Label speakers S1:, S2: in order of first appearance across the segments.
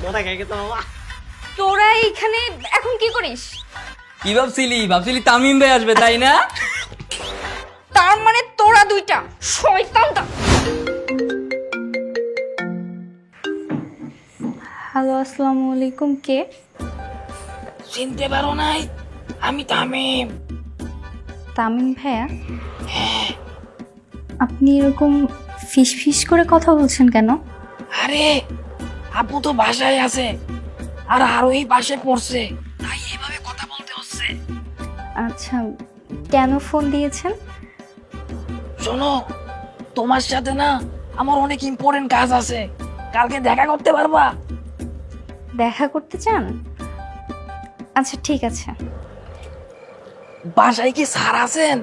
S1: তোরা এইখানে এখন কি করিস?
S2: কি ভাবছিলি তামিম ভাই আসবে তাই না?
S1: তার মানে তোরা দুইটা শয়তানটা। হ্যালো, আসসালামু আলাইকুম। কে?
S3: চিনতে পারো নাই? আমি তামিম।
S1: তামিম ভাইয়া? আপনি এরকম ফিস ফিস করে কথা বলছেন কেন?
S3: আরে আপু তো বাসায় আছে আর আরোহী পাশে পড়ছে, তাই এভাবে কথা বলতে হচ্ছে।
S1: আচ্ছা, কেন ফোন দিয়েছেন?
S3: শোনো, তোমার সাথে না আমার অনেক ইম্পর্টেন্ট কাজ আছে, কালকে দেখা করতে পারবা?
S1: দেখা করতে চান? আচ্ছা ঠিক আছে।
S3: বাসায় কি স্যার আছেন?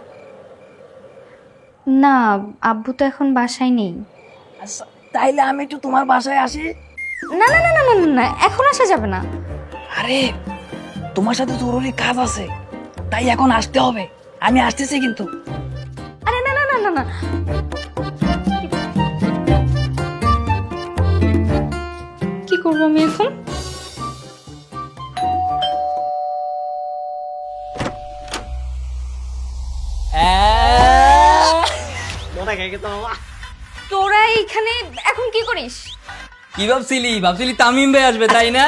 S1: না, আব্বু তো এখন বাসায় নেই।
S3: আচ্ছা, তাইলে আমি একটু তোমার বাসায় আসি।
S1: না না না না না না, এখন আসা যাবে না।
S3: আরে তোমার সাথে জরুরি কাজ আছে, তাই এখন আসতে হবে। আমি আসতেছি কিন্তু।
S1: আরে না না না না না, কি করবো আমি এখন? তোরা এইখানে এখন কি করিস?
S2: কি ভাবছিলি তামিম ভাই আসবে তাই না?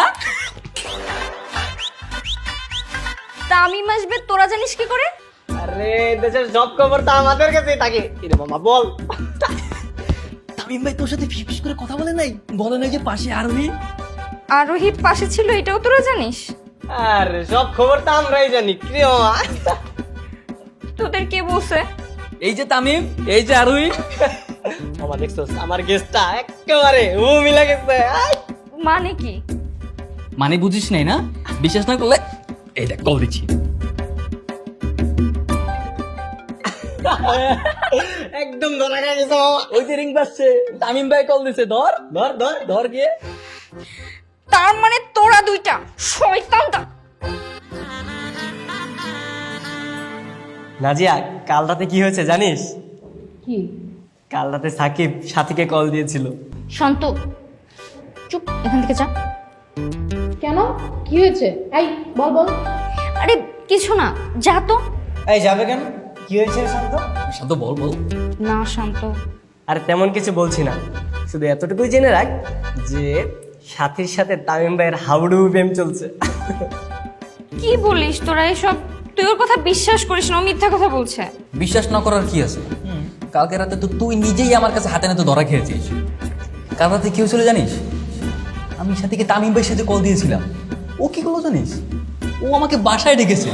S1: তামিম আসবে তোরা জানিস কি করে?
S4: আরে দেশের সব খবর তো আমাদের কাছেই থাকে। কিরে মামা বল।
S2: তামিম ভাই তোর সাথে ফিস করে কথা বলে নাই যে পাশে আরোহী।
S1: আরোহী পাশে ছিল এটাও তোরা জানিস?
S4: আরে সব খবর তো আমরাই জানি। কিরে মামা?
S1: তোদের কে বলছে?
S2: এই যে তামিম, এই যে আরোহী।
S4: মামা দেখছস আমার গেস্টটা একেবারে ও মিলা গেছে।
S1: মানে কি?
S2: মানে বুঝিস নাই না? বিশ্বাস না করলে এই দেখ কল দিচ্ছি।
S4: একদম ধরা গেছে মামা।
S2: ওই যে রিং বাজছে, তামিম ভাই কল দিছে। ধর
S4: ধর ধর
S2: ধর গিয়ে।
S1: তার মানে তোরা দুইটা শয়তানটা।
S4: নাজিয়া, কাল রাতে কি হয়েছে জানিস?
S1: কি?
S4: কাল রাতে সাকিব সাথীকে কল দিয়েছিল।
S1: শান্ত, চুপ, এখান থেকে যা।
S5: কেন, কি হয়েছে? এই বল বল।
S1: আরে কিছু না, যা তো।
S4: এই যাবে কেন? কি হয়েছে শান্ত?
S2: শান্ত বল।
S1: না শান্ত,
S4: আরে তেমন কিছু বলছি না, শুধু এতটুকুই জেনে রাখ যে সাথীর সাথে তামিম ভাইয়ের হাউডু প্রেম চলছে।
S1: কি বলিস তোরা এসব? তুই ওর কথা বিশ্বাস করিস না, ও মিথ্যা কথা বলছে।
S2: বিশ্বাস না করার কি আছে? কালকে রাতে তো তুই নিজেই আমার কাছে হাতে নাতে ধরা খেয়েছিস। কাল রাতে কি হয়েছিল জানিস? আমি সাথীকে তামিম ভাইয়ের সাথে কল দিয়েছিলাম। ও কি করলো জানিস? ও আমাকে বাসায় ডেকেছে।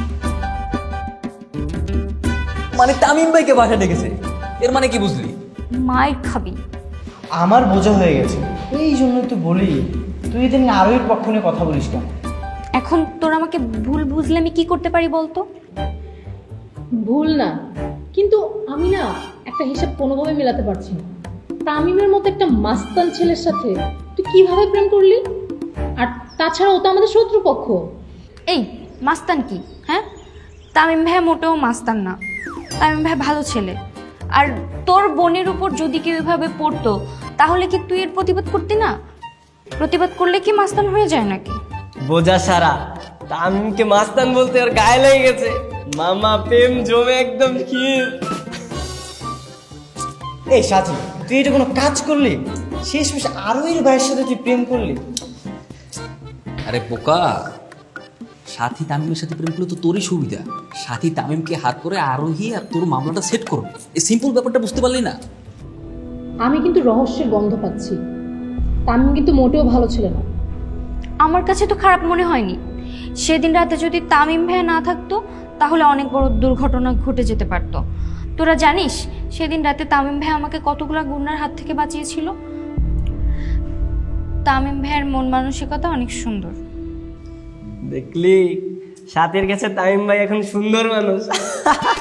S2: মানে তামিম ভাইকে বাসায় ডেকেছে। এর মানে কি বুঝলি?
S1: মাইর খাবি।
S6: আমার বোঝা হয়ে গেছে, এই জন্যই তো বলি তুই এদিন আরোহীর পক্ষ নিয়ে কথা বলিস কেন?
S1: এখন তোরা আমাকে ভুল বুঝলে আমি কি করতে পারি বলতো?
S5: ভুল না, কিন্তু আমি না একটা হিসাব কোনোভাবে মেলাতে পারছি না। তামিমের মতো একটা মাস্তান ছেলের সাথে তুই কিভাবে প্রেম করলি? আর তাছাড়া ও তো আমাদের শত্রুপক্ষ।
S1: এই মাস্তান কি? হ্যাঁ, তামিম ভাই মোটেও মাস্তান না। তামিম ভাই ভালো ছেলে। আর তোর বোনের উপর যদি কেউ এভাবে পড়তো তাহলে কি তুই এর প্রতিবাদ করতি না? প্রতিবাদ করলে কি মাস্তান হয়ে যায় নাকি?
S4: বোঝা সারা তামিমকে মাস্তান বলতে ওর গায়ে লেগে গেছে। মামা প্রেম জমে একদম ক্ষীর।
S6: এই সাথী, তুই এটা কোনো কাজ করলি? শেষমেশ আরোহীর ভাইয়ের সাথে তুই প্রেম করলি?
S2: আরে বোকা, সাথী তামিমের সাথে প্রেম করলে তো তোরই সুবিধা। সাথী তামিমকে হাত করে আরোহী আর তোর মামলাটা সেট করবে। এই সিম্পল ব্যাপারটা বুঝতে পারলি না?
S5: আমি কিন্তু রহস্যের গন্ধ পাচ্ছি। তামিম কিন্তু মোটেও ভালো ছিল না।
S1: আমার কাছে তো খারাপ মনে হয়নি। সেদিন রাতে যদি তামিম ভাই না থাকতো তাহলে অনেক বড় দুর্ঘটনা ঘটে যেতে পারতো। তোরা জানিস সেদিন রাতে তামিম ভাই আমাকে কতগুলো গুন্ডার হাত থেকে বাঁচিয়েছিল। তামিম ভাইয়ের মন মানসিকতা অনেক সুন্দর।
S4: দেখলি সাথীর কাছে তামিম ভাই এখন সুন্দর মানুষ।